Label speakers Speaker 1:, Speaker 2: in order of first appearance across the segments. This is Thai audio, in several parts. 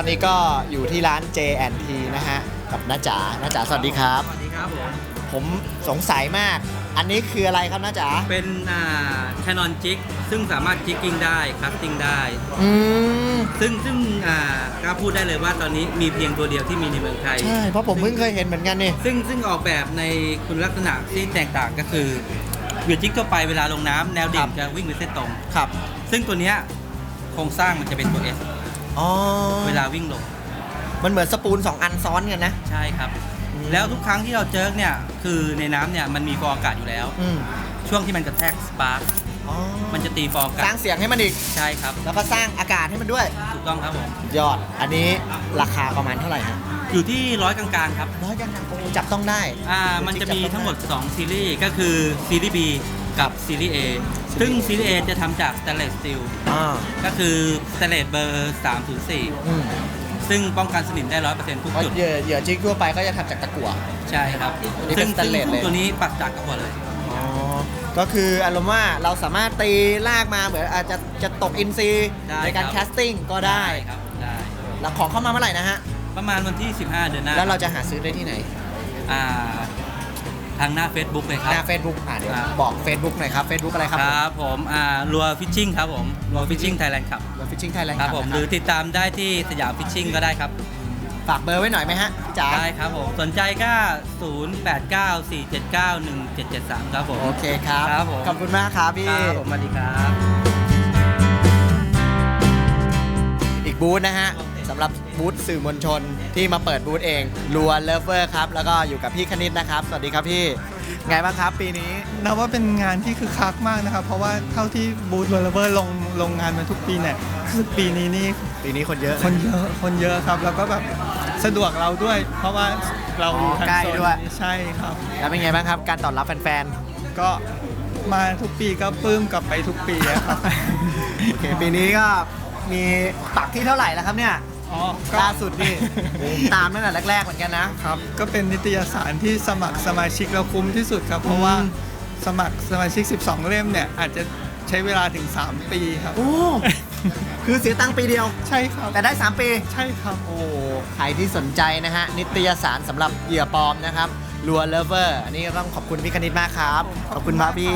Speaker 1: นี้ก็อยู่ที่ร้าน J&T นะฮะกับน้าจ๋าสวัสดีครับ
Speaker 2: สวัสดีครับ
Speaker 1: ผมสงสัยมาก อันนี้คืออะไรครับน้าจ๋า
Speaker 2: เป็นCanon Jig ซึ่งสามารถจิกกิ้งได้คัสติ้งได้ซึ่งกล้าพูดได้เลยว่าตอนนี้มีเพียงตัวเดียวที่มีในเมืองไทย
Speaker 1: ใช่เพราะผมเพิ่งเคยเห็นเหมือนกันนี่
Speaker 2: ซึ่งออกแบบในคุณลักษณะที่แตกต่างก็คือเหยื่อจิกทั่วไปเวลาลงน้ำแนวดิ่งจะวิ่งเป็นเส้นตรง
Speaker 1: ครับ
Speaker 2: ซึ่งตัวเนี้ยโครงสร้างมันจะเป็นตัว S เวลาวิ่งลง
Speaker 1: มันเหมือนสปูล2อันซ้อนกันนะ
Speaker 2: ใช่ครับแล้วทุกครั้งที่เราเจิร์กเนี่ยคือในน้ำเนี่ยมันมีฟองอากาศอยู่แล้วช่วงที่มันกระแทกสปาร์คมันจะตีฟองอากาศ
Speaker 1: สร้างเสียงให้มันอีก
Speaker 2: ใช่ครับ
Speaker 1: แล้วก็สร้างอากาศให้มันด้วย
Speaker 2: ถูกต้องครับผม
Speaker 1: ยอดอันนี้ราคาประมาณเท่าไหร่ฮะ
Speaker 2: อยู่ที่100กลางๆครับ
Speaker 1: 100กลางๆโอ้จับต้องได้
Speaker 2: มันจะมีทั้งหมด2ซีรีส์ก็คือซีรีส์ B กับซีรีส์ A ซึ่งซีรีส์ A จะทำจากสแตนเลสสตีลก็คือสแตนเลสเบอร์304ซึ่งป้องกันสนิมได้ 100% ทุกจุด
Speaker 1: เหยื่อจิกทั่วไปก็จะทำจากตะกั่ว
Speaker 2: ใช่ครับซึ่งตัวนี้ปักจากตะกั่วเลย
Speaker 1: ก็คืออารมณ์ว่าเราสามารถตีลากมาเหมือนอาจจะตกอินซีในการแคสติ้งก็ได้
Speaker 2: ครับได้
Speaker 1: แล้วของเข้ามาเมื่อไหร่นะฮะ
Speaker 2: ประมาณวันที่15เดือนหน้า
Speaker 1: แล้วเราจะหาซื้อได้ที่ไหน
Speaker 2: ทางหน้า Facebook เลยครับ
Speaker 1: หน้า Facebook เดี๋ยวบอก Facebook หน่อยครับ Facebook อะไรครับ
Speaker 2: ครับผมรัวฟิชชิ่งครับผมรัวฟิชชิ่งไทยแลนด์ครับ
Speaker 1: รัวฟิชชิ่งไทยแลนด์
Speaker 2: ครับผมหรือติดตามได้ที่สยามฟิชชิ่งก็ได้ครับ
Speaker 1: ฝากเบอร์ไว้หน่อยไหมฮะจ๋า
Speaker 2: ได้ครับผมสนใจก็0894791773ครับผม
Speaker 1: โอเคครับขอบคุณมากครับพี่
Speaker 2: ครับผมสวัสดีครับ
Speaker 1: อีกบูธนะฮะสำหรับบูธสื่อมวลชนที่มาเปิดบูธเองรัวเลฟเวอร์ครับแล้วก็อยู่กับพี่คณิตนะครับสวัสดีครับพี่ไงบ้างครับปีนี้
Speaker 3: นับว่าเป็นงานที่คึกคักมากนะครับเพราะว่าเท่าที่บูธรัวเลฟเวอร์ลงงานมาทุกปีเนี่ยคือปีนี้
Speaker 1: คนเยอะ
Speaker 3: ครับแล้วก็แบบสะดวกเราด้วยเพราะว่าเราอยู่ทางโซนใช่ครับ
Speaker 1: แล้วเป็นไงบ้างครับการตอบรับแฟน
Speaker 3: ๆก็มาทุกปีก็ปลื้มกลับไปทุกปีครับ
Speaker 1: โอเคปีนี้ก็มีปักที่เท่าไหร่แล้วครับเนี่ยล่าสุดนี่ตามตั้งแต่แรกๆเหมือนกัน
Speaker 3: นะครับก็เป็นนิตยสารที่สมัครสมาชิกเราคุ้มที่สุดครับเพราะว่าสมัครสมาชิก12เล่มเนี่ยอาจจะใช้เวลาถึง3ปีครับ
Speaker 1: โอ้คือเสียตังค์ปีเดียว
Speaker 3: ใช่ครับ
Speaker 1: แต่ได้3ปี
Speaker 3: ใช่ครับ
Speaker 1: โอ้ใครที่สนใจนะฮะนิตยสารสำหรับเหยื่อปลอมนะครับรัวเลฟเวอร์อันนี้ก็ต้องขอบคุณพี่คณิตมากครับขอบคุณมากพี่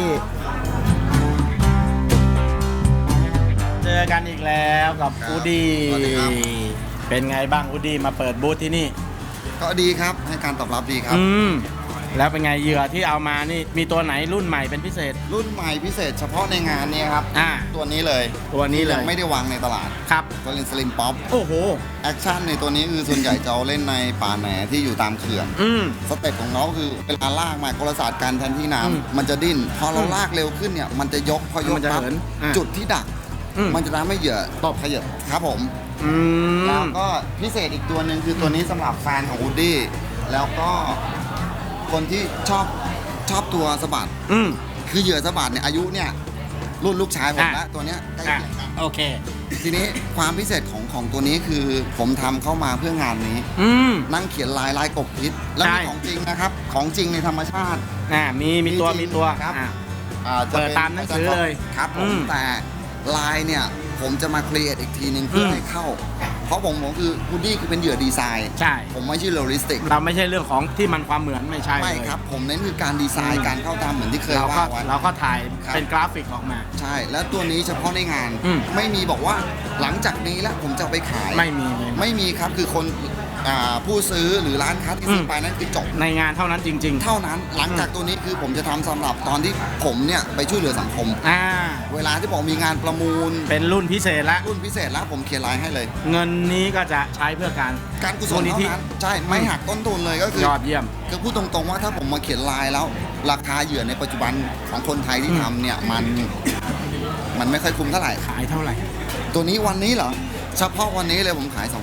Speaker 4: เจอกันอีกแล้วกับอูดี้เป็นไงบ้างอูดี้มาเปิดบูธที่นี่
Speaker 5: ก็ดีครับให้การตอบรับดีครับ
Speaker 4: แล้วเป็นไงเหยื่อที่เอามานี่มีตัวไหนรุ่นใหม่เป็นพิเศษ
Speaker 5: รุ่นใหม่พิเศษเฉพาะในงานนี้ครับตัวนี้เลยยังไม่ได้วางในตลาด
Speaker 4: ครับ
Speaker 5: ก็เล่นสลิมป๊อป
Speaker 4: โอ้โห
Speaker 5: แอคชั่นในตัวนี้คือส่วนใหญ่จะเอาเล่นในป่าแหนที่อยู่ตามเขื่อนสเต็ปของน้องคือเวลาลากมากลศาสตร์การแทนที่น้ำมันจะดิ้นพอเราลากเร็วขึ้นเนี่ยมันจะยกพอยกปั๊บจุดที่ดักมันจะทำให้เหยื่อตบขยับครับผมแล้วก็พิเศษอีกตัวหนึ่งคือตัวนี้สำหรับแฟนของอูดดี้แล้วก็คนที่ชอบตัวสะบัดคือเหยื่อสะบัดเนี่ยอายุเนี่ยรุ่นลูกชายผมแล้วตัวเนี้ยใกล้เคียงกัน
Speaker 4: โอเค
Speaker 5: ทีนี้ความพิเศษของตัวนี้คือผมทำเข้ามาเพื่องานนี้นั่งเขียนลายกบพิษแล้วมีของจริงนะครับของจริงในธรรมชาติ
Speaker 4: มีตัว
Speaker 5: ครับ
Speaker 4: เปิดตามหนังสือเลย
Speaker 5: ครับผมแต่ลายเนี่ยผมจะมาครีเอทอีกทีนึงเพื่อให้เข้าเพราะผมคือวูดดี้คือเป็นเหยื่อดีไซน์
Speaker 4: ใช่
Speaker 5: ผมไม่ใช่เรียลลิสติก
Speaker 4: เราไม่ใช่เรื่องของที่มันความเหมือนไม่ใช่
Speaker 5: ไม่ครับผมเน้นคือการดีไซน์การเข้าตามเหมือนที่เคยว่าไว้
Speaker 4: เราก็ถ่ายเป็นกราฟิกออกมา
Speaker 5: ใช่แล้วตัวนี้เฉพาะในงานไม่มีบอกว่าหลังจากนี้แล้วผมจะไปขายไม่มีครับคือคนผู้ซื้อหรือร้านค้าที่ซื้อไปนั้นคือจบ
Speaker 4: ในงานเท่านั้นจริง
Speaker 5: ๆเท่านั้นหลังจากตัวนี้คือผมจะทำสำหรับตอนที่ผมเนี่ยไปช่วยเหลือสังคมเวลาที่ผมมีงานประมูล
Speaker 4: เป็นรุ่นพิเศษแล้ว
Speaker 5: ผมเขียนลายให้เลย
Speaker 4: เงินนี้ก็จะใช้เพื่อการ
Speaker 5: กุศลเท่านั้นใช่ไม่หักต้นทุนเลยก็คื
Speaker 4: อยอดเยี่ยม
Speaker 5: คือพูดตรงๆว่าถ้าผมมาเขียนลายแล้วราคาเหยื่อในปัจจุบันของคนไทยที่ทำเนี่ยมันไม่ค่อยคุ้มเท่าไหร่
Speaker 4: ขายเท่าไหร่
Speaker 5: ตัวนี้วันนี้เหรอเฉพาะวันนี้เลยผมขาย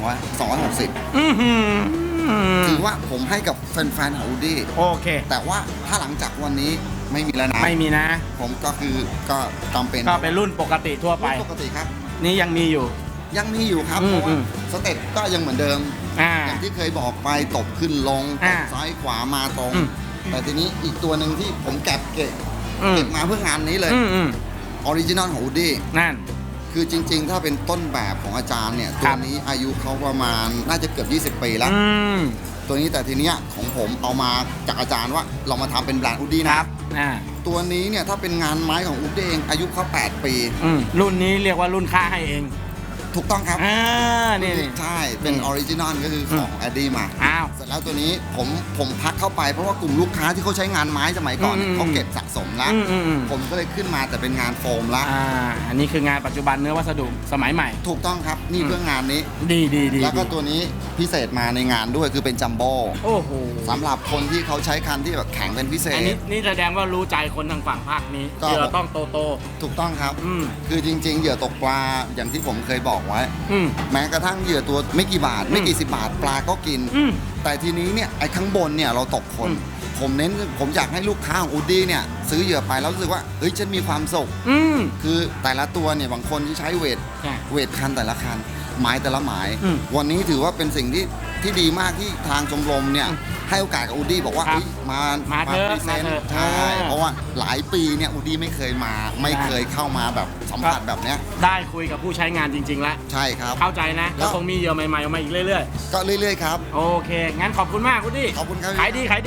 Speaker 5: 260ถือว่าผมให้กับแฟนๆของอูดี้
Speaker 4: โอเค
Speaker 5: แต่ว่าถ้าหลังจากวันนี้ไม่มีแล้วนะ
Speaker 4: ไม่มีนะ
Speaker 5: ผมก็จำเป็น
Speaker 4: ก็เป็นรุ่นปกติทั่วไป
Speaker 5: ปกติครับ
Speaker 4: นี่ยังมีอยู่
Speaker 5: ครับเพราะว่าสเต็ปก็ยังเหมือนเดิมอย่างที่เคยบอกไปตบขึ้นลงซ้ายขวามาตรงแต่ทีนี้อีกตัวหนึ่งที่ผมเก็บมาเพื่องานนี้เลยออริจินอลของอูดี้
Speaker 4: นั่น
Speaker 5: คือจริง ๆ ถ้าเป็นต้นแบบของอาจารย์เนี่ย
Speaker 4: ค
Speaker 5: ตั
Speaker 4: รั
Speaker 5: ว
Speaker 4: บ
Speaker 5: นี้อายุเขาประมาณน่าจะเกือบ20 ปีแล้ว
Speaker 4: ม
Speaker 5: ตัวนี้แต่ทีเนี้ยของผมเอามาจากอาจารย์ว่าเรามาทำเป็นแบรนด์อูดดี้
Speaker 4: ค
Speaker 5: นะ
Speaker 4: รับ
Speaker 5: ตัวนี้เนี่ยถ้าเป็นงานไม้ของอูดดี้เองอายุเขา8 ปี
Speaker 4: รุ่นนี้เรียกว่ารุ่นค่าให้เอง
Speaker 5: ถูกต้องครับ
Speaker 4: นี่
Speaker 5: ใช่เป็นออริจินอลก็คือของแอดดี้มา
Speaker 4: อ้าว
Speaker 5: เสร็จแล้วตัวนี้ผมพักเข้าไปเพราะว่ากลุ่มลูกค้าที่เขาใช้งานไม้สมัยก่อนเนี่ย
Speaker 4: อืม
Speaker 5: เขาเก็บสะสมแล้ว
Speaker 4: อืม
Speaker 5: ผมก็เลยขึ้นมาแต่เป็นงานโฟมละ
Speaker 4: อันนี้คืองานปัจจุบันเนื้อวัสดุสมัยใหม่
Speaker 5: ถูกต้องครับนี่เพื่องานนี้
Speaker 4: ดี
Speaker 5: แล้วก็ตัวนี้พิเศษมาในงานด้วยคือเป็นจัมโบ้
Speaker 4: โอ้โห
Speaker 5: สำหรับคนที่เขาใช้คันที่แบบแข็งเป็นพิเศ
Speaker 4: อัน
Speaker 5: ษ
Speaker 4: นี้นี่แสดงว่ารู้ใจคนทางฝั่งภาคนี้
Speaker 5: ก็
Speaker 4: ที่เราต้องโต
Speaker 5: ถูกต้องครับ
Speaker 4: อืม
Speaker 5: คือจริง ๆ เหยื่อตกปลาอย่างที่ผมเคยบอกไว้
Speaker 4: อืม
Speaker 5: แม้กระทั่งเหยื่อตัวไม่กี่บาท ไม่กี่สิบบาทปลาก็กิน
Speaker 4: อืม
Speaker 5: แต่ทีนี้เนี่ยไอ้ข้างบนเนี่ยเราตกคน
Speaker 4: อืม
Speaker 5: ผมอยากให้ลูกค้าของอูดดี้เนี่ยซื้อเหยื่อไปแล้วรู้สึกว่าเฮ้ยฉันมีความสุข
Speaker 4: อืม
Speaker 5: คือแต่ละตัวเนี่ยบางคนที่ใช้เวท
Speaker 4: ใช่
Speaker 5: คันแต่ละคันไม้แต่ละไม้
Speaker 4: อืม
Speaker 5: วันนี้ถือว่าเป็นสิ่งที่ดีมากที่ทางชมรมเนี่ยให้โอกาสกับอูดดี้บอกว่า
Speaker 4: ครับ
Speaker 5: เฮ้ยมา
Speaker 4: มาเถอะ
Speaker 5: พรีเซน
Speaker 4: มาเถ
Speaker 5: ต์
Speaker 4: อะ
Speaker 5: ใช่ เพราะว่าหลายปีเนี่ยอูดดี้ไม่เคยมาไม่เคยเข้ามาแบบสัมผัสแบบเนี้ย
Speaker 4: ได้คุยกับผู้ใช้งานจริง ๆ แล้ว
Speaker 5: ใช่ครับ
Speaker 4: เข้าใจนะ แล้วคงมีเหยื่อใหม่ๆออกมาอีกเรื่อย
Speaker 5: ก็เรื่อยๆครับ
Speaker 4: ๆ โอเค งั้นขอบคุณมากคุณดิ
Speaker 5: ขอบคุณครับ
Speaker 4: ขายดีครับ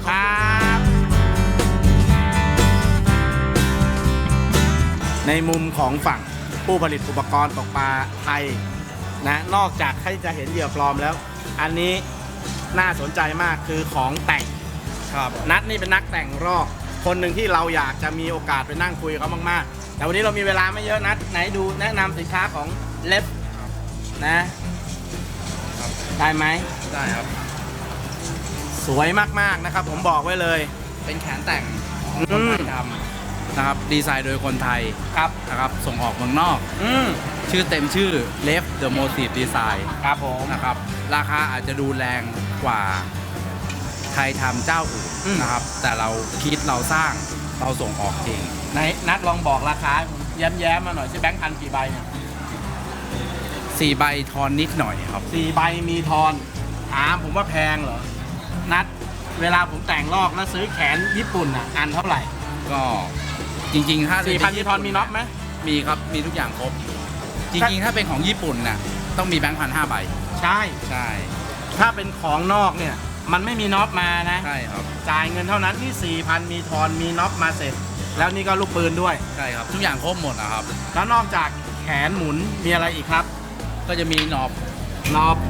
Speaker 4: ในมุมของฝั่งผู้ผลิตอุปกรณ์ตกปลาไทยนะนอกจากที่จะเห็นเหยื่อปลอมแล้ว อันนี้น่าสนใจมากคือของแต่งครับนัทนี่เป็นนักแต่งรอกคนหนึ่งที่เราอยากจะมีโอกาสไปนั่งคุยกับเขามากๆ แต่วันนี้เรามีเวลาไม่เยอะนัทไหนดูแนะนำสินค้าของเล็บนะได้ไหม
Speaker 2: ได้ครับ
Speaker 4: สวยมากๆนะครับ ผมบอกไว้เลย
Speaker 2: เป็นแขนแต่ง
Speaker 4: ของคนไทยท
Speaker 2: นะครับดีไซน์โดยคนไทย
Speaker 4: ครับ
Speaker 2: นะครับส่งออกเมืองนอก
Speaker 4: อืม
Speaker 2: ชื่อเต็มชื่อ Left the Motive Design
Speaker 4: ครับผม
Speaker 2: นะครับราคาอาจจะดูแรงกว่าไทยทำเจ้าอื่นนะครับ แต่เราคิดเราสร้างเราส่งออกจริง
Speaker 4: ไหนนัดลองบอกราคาให้ผมแย้มๆมาหน่อยใช่แบงค์พันกี่ใบเนี่ย
Speaker 2: 4 ใบทอนนิดหน่อยครับ
Speaker 4: 4 ใบมีทอนถามผมว่าแพงเหรอ นัดเวลาผมแต่งลอกแล้วซื้อแขนญี่ปุ่นอ่ะอันเท่าไหร่
Speaker 2: ก็จริงๆ ถ้า
Speaker 4: 4,000มีทอนมีน็อตไหม
Speaker 2: มีครับ มีทุกอย่างครบ จริงๆ ถ้าเป็นของญี่ปุ่นน่ะต้องมีแบงค์1,500 ใบ
Speaker 4: ใช่
Speaker 2: ใช่
Speaker 4: ถ้าเป็นของนอกเนี่ย มันไม่มีน็อตมานะ
Speaker 2: ใช่ครับ
Speaker 4: จ่ายเงินเท่านั้นที่ 4,000 มีทอนมีน็อตมาเสร็จ แล้วนี่ก็ลูกปืนด้วย
Speaker 2: ใช่ครับ ทุกอย่างครบหมดนะครับ
Speaker 4: แล้วนอกจากแขนหมุนมีอะไรอีกครับ
Speaker 2: ก็จะมีหนอบ
Speaker 4: น็อป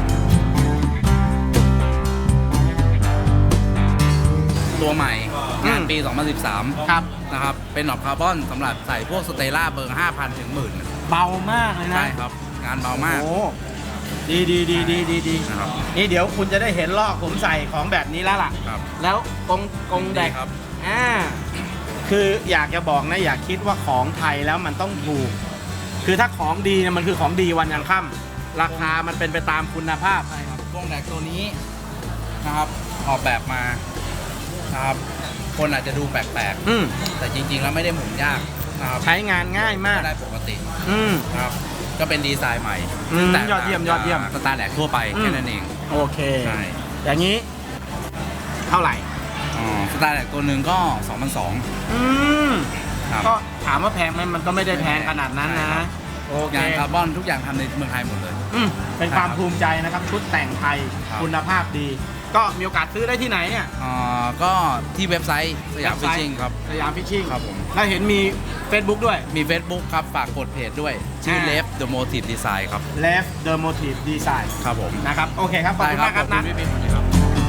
Speaker 2: ตัวใหม่
Speaker 4: อืม
Speaker 2: งานปี 2013
Speaker 4: ครับ
Speaker 2: นะครับ เป็นหนอบคาร์บอนสำหรับใส่พวกสเตล่าเบอร์ 5,000 ถึง 10,000
Speaker 4: เบามากเลยนะ
Speaker 2: ใช่ครับ งานเบามาก
Speaker 4: โอ้ดี
Speaker 2: นะครับ
Speaker 4: นี่เดี๋ยวคุณจะได้เห็นลอกผมใส่ของแบบนี้แล้วล่ะ
Speaker 2: ครับ
Speaker 4: แล้วกงแดก
Speaker 2: ครับ
Speaker 4: คืออยากจะบอกนะ อย่าคิดว่าของไทยแล้วมันต้องถูก คือถ้าของดีเนี่ยมันคือของดีวันยังค่ำราคามันเป็นไปตามคุณภาพ
Speaker 2: ใช่ครับวงแดกตัวนี้นะครับ ออกแบบมานะครับ คนอาจจะดูแปลก
Speaker 4: อืม
Speaker 2: ๆ แต่จริง ๆ แล้วไม่ได้หมุนยากนะครับ
Speaker 4: ใช้งานง่ายมาก
Speaker 2: ก็ได้ปกติ
Speaker 4: อืม
Speaker 2: นะครับ ก็เป็นดีไซน์ใหม่
Speaker 4: อืม
Speaker 2: ซึ่งแตก
Speaker 4: ยอดเยี่ยม
Speaker 2: ต่าง
Speaker 4: ยอดเยี่ยม
Speaker 2: จากสตาร์แดกทั่วไป
Speaker 4: อืม
Speaker 2: แค่นั้นเอง
Speaker 4: โอเค
Speaker 2: ใช่
Speaker 4: อย่างนี้ เท่าไหร่
Speaker 2: สตาร์แดกตัวหนึ่งก็ 2,200
Speaker 4: อืม
Speaker 2: ครับ
Speaker 4: ก็ถามว่าแพงไหมมันก็ไม่ได้แพงขนาดนั้น
Speaker 2: ใช่
Speaker 4: นะครับ โอเค
Speaker 2: งานคาร์บอนทุกอย่างทำในเมืองไทยหมดเลย
Speaker 4: เป็นความภูมิใจนะครับ ชุดแต่งไทย
Speaker 2: ครับ
Speaker 4: คุณภาพดี ก็มีโอกาสซื้อได้ที่ไหนเนี่ย
Speaker 2: ก็ที่เว็บไซต์สยามฟิชชิ่งครับ
Speaker 4: สยามฟิชชิ่ง
Speaker 2: ครับผม
Speaker 4: แล้วเห็นมี Facebook ด้วย
Speaker 2: มี Facebook ครับ ฝากกดเพจด้วย ชื่อ Left the Motive Design ครับ
Speaker 4: Left the Motive Design
Speaker 2: ครับผม
Speaker 4: นะครับ โอเคครับ ขอบคุณมากครับ
Speaker 2: ข
Speaker 4: นะ
Speaker 2: อบคุณพี่ปิ๊กครับ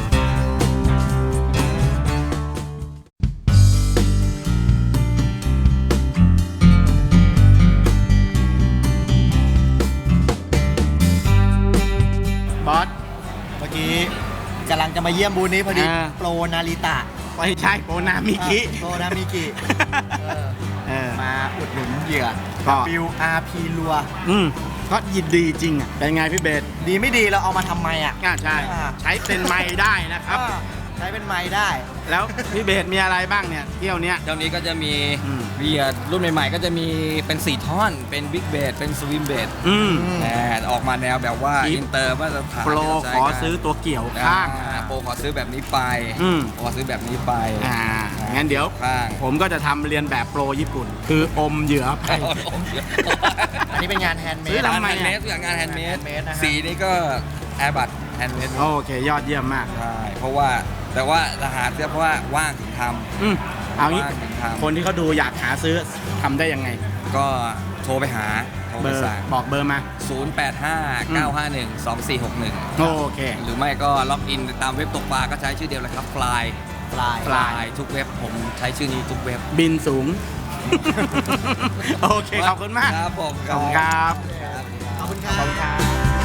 Speaker 4: บอส
Speaker 1: เมื่อกี้กำลังจะมาเยี่ยมบูธนี้พอดี
Speaker 4: อ่า
Speaker 1: โปรนาริตะ
Speaker 4: ไม่ใช่โปนามิคิ
Speaker 1: โปรนามิกิ มาอุดหนุนเหยื่อ
Speaker 4: ก็
Speaker 1: WRP รัว
Speaker 4: ก็ยินดีจริงอ่ะ เป็นไงพี่เบส
Speaker 1: ดีไม่ดีเราเอามาทำไมอ่ะ
Speaker 4: ใช่
Speaker 1: อ่า
Speaker 4: ใช้เป็นไม้ได้นะครับ
Speaker 1: ใช้เป็นไม้ได้
Speaker 4: แล้วพี่เบสมีอะไรบ้างเนี่ย เที่ยวเนี้ย
Speaker 6: เจ้านี้ก็จะมี
Speaker 4: อืม
Speaker 6: เบียร์รุ่นใหม่ๆ ก็จะมีเป็น 4 ท่อน เป็นบิ๊กเบดเป็นสวิมเบด
Speaker 4: อืม
Speaker 6: ออกมาแนวแบบว่า
Speaker 4: อีฟ
Speaker 6: อินเตอร์มาตรฐาน
Speaker 4: โปร
Speaker 6: ที่เาใช้
Speaker 4: ขอ
Speaker 6: กัน
Speaker 4: ซื้อตัวเกี่ยวข้าง
Speaker 6: โปรขอซื้อแบบนี้ไป
Speaker 4: อืม
Speaker 6: โปรขอซื้อแบบนี้ไป
Speaker 4: อ่างั้นเดี๋ยว
Speaker 6: ข้าง
Speaker 4: ผมก็จะทำเรียนแบบโปรญี่ปุ่น คืออมเหยื่อไป
Speaker 1: อันนี้เป็นงานแฮนด์เม
Speaker 4: ซื้
Speaker 1: ด
Speaker 4: อทำไม
Speaker 6: แฮนด์เมดอย่างงานแฮนด์เมด
Speaker 1: handmade นะฮะ
Speaker 6: สีนี้ก็แอร์บัตแฮนด์เมด
Speaker 4: โอเค ยอดเยี่ยมมาก
Speaker 6: ใช่เพราะว่าแต่ว่าจะหาเสื้อเพราะว่าว่างถึงท
Speaker 4: เอางี้
Speaker 6: ว่างถึงทำ
Speaker 4: คนที่เขาดูอยากหาซื้อทำได้ยังไง
Speaker 6: ก็โทรไปหาโทร
Speaker 4: เบ
Speaker 6: ไป
Speaker 4: อร์
Speaker 6: สั่ง
Speaker 4: บอกเบอร์มา
Speaker 6: 0859512461
Speaker 4: โอเค
Speaker 6: หรือไม่ก็ล็อกอินตามเว็บตกปลาก็ใช้ชื่อเดียวเลยครับ Fly
Speaker 1: ปลาย
Speaker 6: Fly ทุกเว็บผมใช้ชื่อนี้ทุกเว็บ
Speaker 4: บินสูง โอเค ขอบคุณมาก
Speaker 6: ครับผม
Speaker 4: ขอบคุณครับ
Speaker 1: ขอบคุณครั
Speaker 4: ขอบ
Speaker 1: บ
Speaker 4: คุณครับ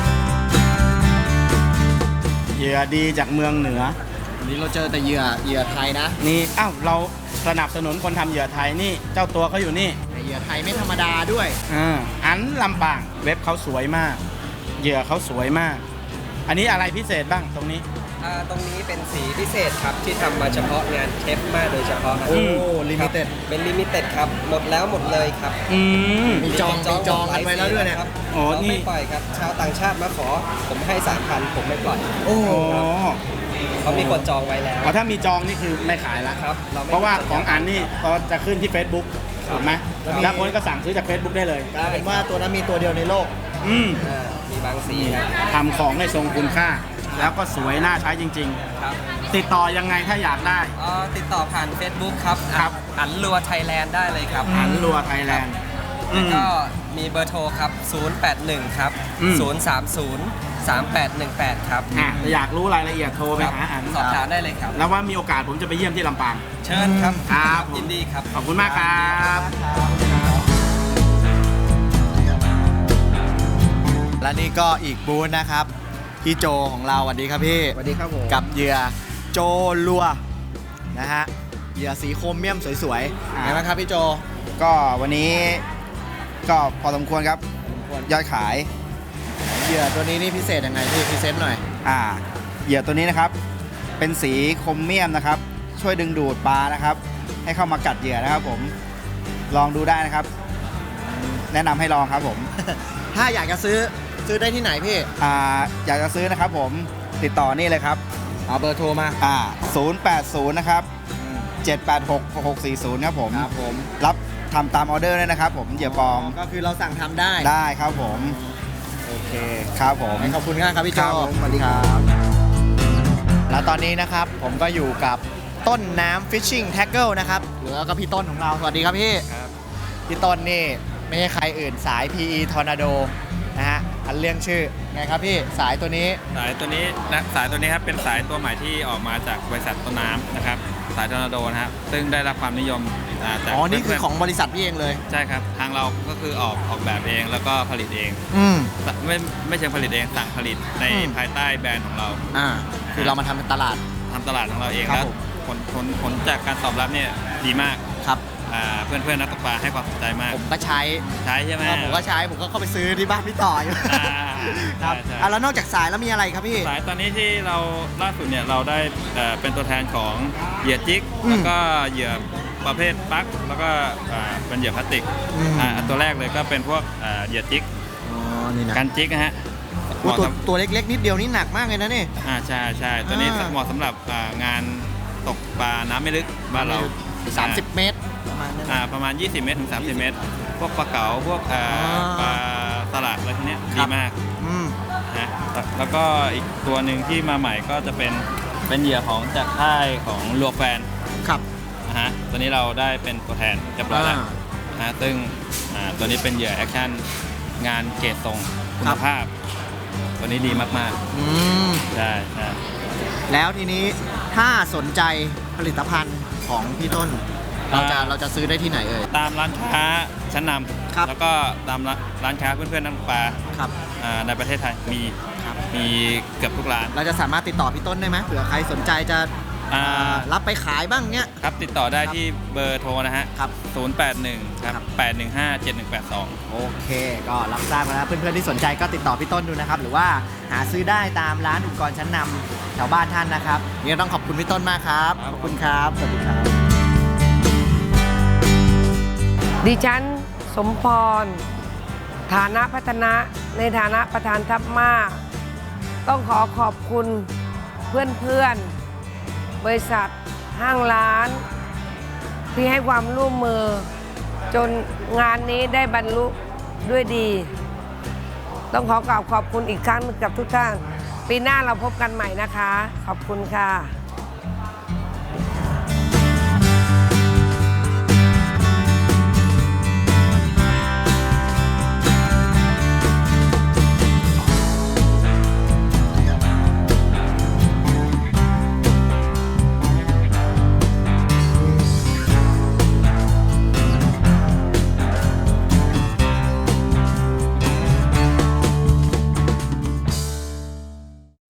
Speaker 4: เหยื่อดีจากเมืองเหนือ
Speaker 1: วันนี้เราเจอแต่เหยื่อไทยนะ
Speaker 4: นี่อ้าวเราสนับสนุนคนทำเหยื่อไทยนี่ เจ้าตัวเขาอยู่นี่
Speaker 1: แต่เหยื่อไทยไม่ธรรมดาด้วย
Speaker 4: อันลำปางเว็บเขาสวยมาก เหยื่อเขาสวยมาก อันนี้อะไรพิเศษบ้างตรงนี้
Speaker 7: ตรงนี้เป็นสีพิเศษครับ ที่ทำมาเฉพาะงานเทปมาโดยเฉพาะครับ
Speaker 1: โอ้
Speaker 7: ครับ
Speaker 1: limited
Speaker 7: เป็นลิมิเต็ดครับ หมดแล้วหมดเลยครับ
Speaker 4: อืม
Speaker 1: มีจองกันไว้แล้วด้วยเนี่ย
Speaker 7: ครับ
Speaker 4: โอ้
Speaker 7: เรา
Speaker 4: นี่
Speaker 7: ไม่ปล่อยครับ ชาวต่างชาติมาขอ ผมให้ 3,000 ผมไม่ปล่อย
Speaker 1: โอ้
Speaker 4: โอ้
Speaker 7: เขามีคนจองไว้แล้ว
Speaker 4: อ๋อถ้ามีจองนี่คือไม่ขายละ
Speaker 7: ครับเราไม่
Speaker 4: เพราะว่าของอันนี่เขาจะขึ้นที่ Facebook ถูกไหม
Speaker 1: แล้วมี
Speaker 4: แล้วคนก็สั่งซื้อจาก Facebook ได้เลย
Speaker 1: กลายเป็นว่าตัวนั้นมีตัวเดียวในโลก
Speaker 4: อืม
Speaker 7: มีบางสีครับ
Speaker 4: ทำของให้ทรงคุณค่า แล้วก็สวยน่าใช้จริง
Speaker 7: ครับ
Speaker 4: ๆ ติดต่อยังไงถ้าอยากได้
Speaker 7: ติดต่อผ่าน Facebook ครับ
Speaker 4: ครับ
Speaker 7: อันรัวไทยแลนด์ได้เลยครับ
Speaker 4: อันรัวไทยแลนด์
Speaker 7: แล้วก็มีเบอร์โทรครับ 081 ครับ
Speaker 4: อืม
Speaker 7: 030 3818 ครับ
Speaker 4: ถ้าอยากรู้รายละเอียดโทรไปหาอัน
Speaker 7: สอบถามได้เลยครับ
Speaker 4: แล้วว่ามีโอกาสผมจะไปเยี่ยมที่ลำปาง
Speaker 7: เชิญครับ
Speaker 4: ครับผม
Speaker 7: ยินดีครับ
Speaker 4: ขอบคุณมากครับ
Speaker 1: และนี่ก็อีกบูธนะครับ พี่โจของเราสวัสดีครับพี่
Speaker 5: สวัสดีครับผม
Speaker 1: กับเหยื่อโจลัวนะฮะเหยื่อสีโครเมียมสวยๆไงบ้างครับพี่โจ
Speaker 5: ก็วันนี้ก็พอสมควรครับ ยอดขาย
Speaker 1: เหยื่อตัวนี้นี่พิเศษยังไงพี่พรีเซนต์หน่อย
Speaker 5: เหยื่อตัวนี้นะครับ เป็นสีโครเมียมนะครับ ช่วยดึงดูดปลานะครับ ให้เข้ามากัดเหยื่อนะครับผม ลองดูได้นะครับ แนะนำให้ลองครับผม
Speaker 1: ถ้าอยากจะซื้อได้ที่ไหนพี่
Speaker 5: อยากจะซื้อนะครับผม ติดต่อนี่เลยครับ
Speaker 1: เอาเบอร์โทรมา
Speaker 5: 080 นะครับ 786 6640 ครับผม
Speaker 1: ครับผม
Speaker 5: รับทำตามออเดอร์ด้วยนะครับผม เหยื่อปลอม
Speaker 1: ก็คือเราสั่งทำได้
Speaker 5: ได้ครับผม
Speaker 1: โอเค
Speaker 5: ครับผม
Speaker 1: ขอบคุณมากครับพี่โจ
Speaker 5: ครับผมสวัสดีครับ
Speaker 1: แล้วตอนนี้นะครับผมก็อยู่กับต้นน้ำ Fishing Tackle นะครับหรือว่าก็พี่ต้นของเราสวัสดีครับพี่พี่ต้นนี่ไม่ใช่ใครอื่นสาย PE Tornado นะฮะอันเรื่องชื่อไงครับพี่สายตัวนี้
Speaker 8: สายตัวนี้ครับเป็นสายตัวใหม่ที่ออกมาจากบริษัทต้นน้ำนะครับสายทอร์นาโดนะครับซึ่งได้รับความนิยมจาก
Speaker 1: อ๋อนี่คือ
Speaker 8: เพื่ๆ
Speaker 1: ของบริษัทพี่เองเลย
Speaker 8: ใช่ครับทางเราก็คือออกแบบเองแล้วก็ผลิตเอง
Speaker 1: อืม
Speaker 8: ไม่เชิงผลิตเองสั่งผลิตใน
Speaker 1: อืม
Speaker 8: ภายใต้แบรนด์ของเรา
Speaker 1: คือเรามาทำเป็นตลาด
Speaker 8: ทำตลาดของเราเอง
Speaker 1: ครับ
Speaker 8: แล้ว
Speaker 1: ผม
Speaker 8: ผลจากการตอบรับเนี่ยดีมาก
Speaker 1: ครับ
Speaker 8: เพื่อนๆนักตกปลาให้ความสนใจมาก
Speaker 1: ผมก็ใช้
Speaker 8: ใช้ใช่ไหม
Speaker 1: ผมก็ใช้ผมก็เข้าไปซื้อที่บ้านพี่ต่ออยู่ ครับ
Speaker 8: ใช่
Speaker 1: แล้วนอกจากสายแล้วมีอะไรครับพี่
Speaker 8: สายตอนนี้ที่เราล่าสุดเนี่ยเราได้เป็นตัวแทนของเหยื่อจิก
Speaker 1: อืม
Speaker 8: แล้วก็เหยื่อประเภทปลั๊กแล้วก็เป็นเหยื่อพลาสติก
Speaker 1: อืม
Speaker 8: ตัวแรกเลยก็เป็นพวกเหยื่อจิก
Speaker 1: อ๋อนี่นะ
Speaker 8: การจิกนะฮะ
Speaker 1: โอ้ตัวเล็กๆนิดเดียวนี่หนักมากเลยนะนี่
Speaker 8: ใช่ตัวนี้
Speaker 1: อ่า
Speaker 8: เหมาะสำหรับงานตกปลาน้ำไม่ลึกบ้านเรา
Speaker 1: 30 เมตรประมาณนั้น
Speaker 8: ประมาณ 20 เมตรถึง 30 เมตร พวกปลาเก๋าพวกปลาสลัดอะไรพวกเนี้ย
Speaker 1: ค
Speaker 8: ดี
Speaker 1: รับ
Speaker 8: มาก
Speaker 1: อืม
Speaker 8: นะฮะแล้วก็อีกตัวหนึ่งที่มาใหม่ก็จะเป็นเหยื่อของจากค่ายของลัวแฟน
Speaker 1: ครับ
Speaker 8: นะฮะตัวนี้เราได้เป็นตัวแทนเรียบร้อยแล้วนะฮะซึ่งตัวนี้เป็นเหยื่อแอคชั่นงานเกรดทรงคุณภาพ ตัวนี้ดีมาก
Speaker 1: อืม
Speaker 8: ๆใช่ใช่
Speaker 1: แล้วทีนี้ถ้าสนใจผลิตภัณฑ์ของพี่ต้น เราจะซื้อได้ที่ไหนเอ่ย
Speaker 8: ตามร้านค้าชั้นน
Speaker 1: ครับ
Speaker 8: ำแล้วก็ตามร้านค้าเพื่อนๆนักตกปลา
Speaker 1: ครับ
Speaker 8: ในประเทศไทยมีเกือบทุกร้าน
Speaker 1: เราจะสามารถติดต่อพี่ต้นได้ไหมเผื่อใครสนใจจะ รับไปขายบ้างเนี้ย
Speaker 8: ครับติดต่อได้ที่เบอร์โทรนะฮะ
Speaker 1: ครับ
Speaker 8: 081 ครับ 815 7182
Speaker 1: โอเค ก็รับทราบมาแล้วเพื่อนๆที่สนใจก็ติดต่อพี่ต้นดูนะครับ หรือว่าหาซื้อได้ตามร้านอุปกรณ์ชั้นนำแถวบ้านท่านนะครับนี่ต้องขอบคุณพี่ต้นมากครับ ขอบคุณครับ สวัสดีครับ
Speaker 9: ดิฉันสมพร ฐานะพัฒนะในฐานะประธานทัพมาต้องขอบคุณเพื่อนๆ บริษัทห้างร้านที่ให้ความร่วมมือ จนงานนี้ได้บรรลุด้วยดี ต้องขอกราบขอบคุณอีกครั้งหนึ่งกับทุกท่าน ปีหน้าเราพบกันใหม่นะคะ ขอบคุณค่ะ